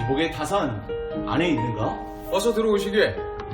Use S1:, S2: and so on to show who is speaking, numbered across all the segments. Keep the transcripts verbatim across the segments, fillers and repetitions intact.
S1: 이복의 타산 안에 있는가?
S2: 어서 들어오시게.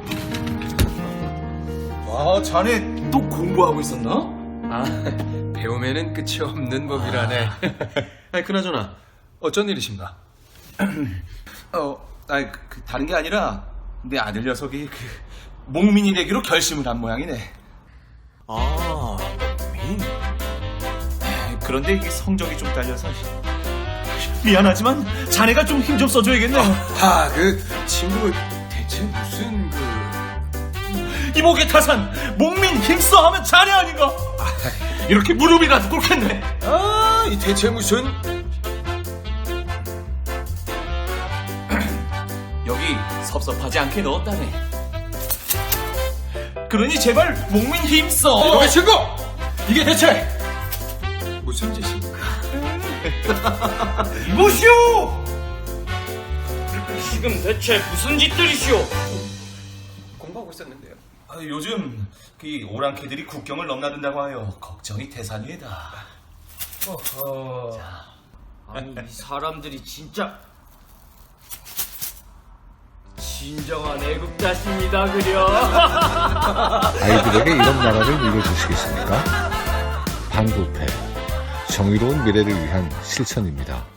S1: 아, 자네 또 공부하고 있었나?
S2: 아, 배움에는 끝이 없는 법이라네. 아니, 그나저나 어쩐 일이신가?
S1: 어, 아니, 그, 그, 다른 게 아니라 내 아들 녀석이 그 목민이 되기로 결심을 한 모양이네.
S2: 아, 민.
S1: 에이, 그런데 이게 성적이 좀 딸려서 미안하지만 자네가 좀 힘 좀 써줘야겠네.
S2: 아, 그 친구 대체 무슨 그...
S1: 이복의 타산 목민 힘써 하면 자네 아닌가? 이렇게 무릎이라도 꿇겠네.
S2: 아, 이 대체 무슨...
S1: 여기 섭섭하지 않게 넣었다네. 그러니 제발 목민 힘써.
S2: 이복의 친구! 이게 대체 무슨 짓입니까?
S1: 이보시오!
S3: 지금 대체 무슨 짓들이시오?
S2: 공부하고 있었는데요.
S1: 아, 요즘 그 오랑캐들이 국경을 넘나든다고 하여 걱정이 태산이다.
S3: 어허... 아니 이 사람들이 진짜 진정한 애국자십니다 그려.
S4: 아이들에게 이런 나라를 물려주시겠습니까? 방부패, 정의로운 미래를 위한 실천입니다.